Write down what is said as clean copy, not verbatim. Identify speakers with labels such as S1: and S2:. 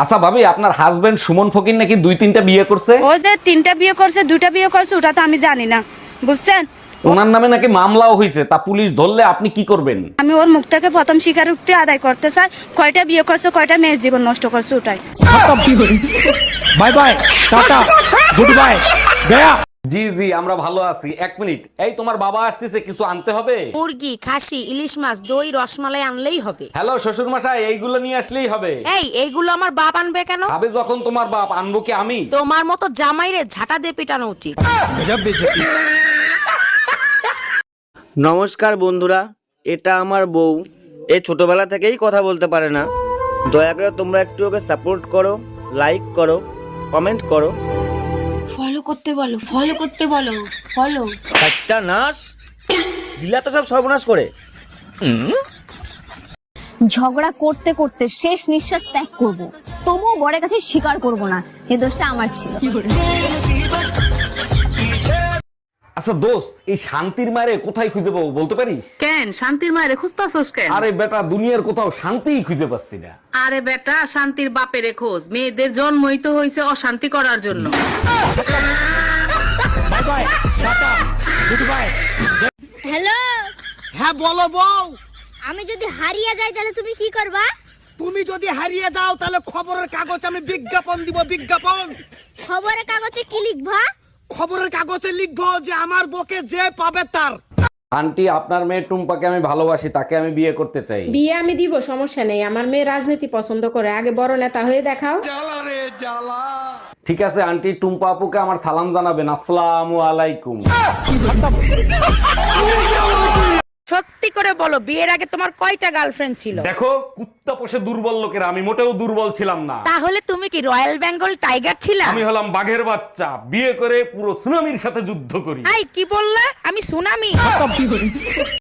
S1: আচ্ছা ভাবি, আপনার হাজবেন্ড সুমন ফকির নাকি 2-3টা বিয়ে করছে?
S2: ও যে 3টা বিয়ে করছে 2টা বিয়ে করছে ওটা তো আমি জানি না, বুঝছেন?
S1: ওনার নামে নাকি মামলাও হয়েছে, তা পুলিশ ধরলে আপনি কি করবেন?
S2: আমি ওর মুখ থেকে প্রথম স্বীকারোক্তি আদায় করতে চাই, কয়টা বিয়ে করছে, কয়টা মেয়ের জীবন নষ্ট করছে ওটাই।
S3: Bye bye, tata, good bye, গয়া।
S1: জি জি, আমরা ভালো আছি। 1 মিনিট, এই তোমার বাবা আসতেছে, কিছু আনতে হবে?
S4: মুরগি, খাসি, ইলিশ মাছ, দই, রসমালাই আনলেই হবে।
S1: হ্যালো শ্বশুর মশাই, এইগুলো নিয়ে আসলেই হবে।
S4: এইগুলো আমার বাপ আনবে কেন?
S1: ভাবে যখন তোমার বাপ, আনবো কি আমি?
S4: তোমার মতো জামাইরে ঝাঁটা দিয়ে পিটানো উচিত।
S5: নমস্কার বন্ধুরা, এটা আমার বউ। এ ছোটবেলা থেকেই কথা বলতে পারে না। দয়া করে তোমরা একটু ওকে সাপোর্ট করো, লাইক করো, কমেন্ট করো।
S6: ফলো করতে বলো, ফলো করতে বলো, ফলো।
S5: একটা নাশ দিলা তো সব সর্বনাশ করে।
S7: ঝগড়া করতে করতে শেষ নিঃশ্বাস ত্যাগ করব, তবুও বরের কাছে স্বীকার করব না এই দোষটা আমার ছিল।
S1: আচ্ছা দোস্ত, এই শান্তির মারে কোথায় খুঁজে পাবো বলতে পারিস?
S8: কেন শান্তির মায়ের খুঁজতাছস কেন?
S1: আরে বেটা, দুনিয়ার কোথাও শান্তিই খুঁজে পাচ্ছি না।
S8: আরে বেটা, শান্তির বাপের খোঁজ। মেয়েদের জন্মই তো হয়েছে অশান্তি করার জন্য।
S3: Bye bye, tata, good bye.
S7: Hello,
S3: হ্যাঁ বলো বউ।
S7: আমি যদি হারিয়ে যাই তাহলে তুমি কি করবা?
S3: তুমি যদি হারিয়ে যাও তাহলে খবরের কাগজে আমি বিজ্ঞাপন দিব, বিজ্ঞাপন।
S7: খবরের কাগজে কি লিখবা?
S3: খবরের কাগজে লিখবো যে আমার বউকে যে পাবে তার।
S1: আন্টি, আপনার মেয়ে টুম্পাকে আমি ভালোবাসি, তাকে আমি বিয়ে করতে চাই।
S9: বিয়ে আমি দিব, সমস্যা নেই। আমার মেয়ে রাজনীতি পছন্দ করে, আগে বড় নেতা হয়ে দেখাও।
S1: ঠিক আছে আন্টি, টুম্পা আপুকে আমার সালাম জানাবেন। আসসালামু আলাইকুম।
S4: সত্যি করে বলো, বিয়ের আগে তোমার কয়টা গার্লফ্রেন্ড ছিল?
S1: দেখো, কুত্তা পোষে দুর্বল লোকেরা, আমি মোটেও দুর্বল ছিলাম না।
S4: তাহলে তুমি কি রয়্যাল বেঙ্গল টাইগার ছিলা?
S1: আমি হলাম বাঘের বাচ্চা, বিয়ে করে পুরো সুনামির সাথে যুদ্ধ করি।
S4: কি বললা? আমি সুনামি?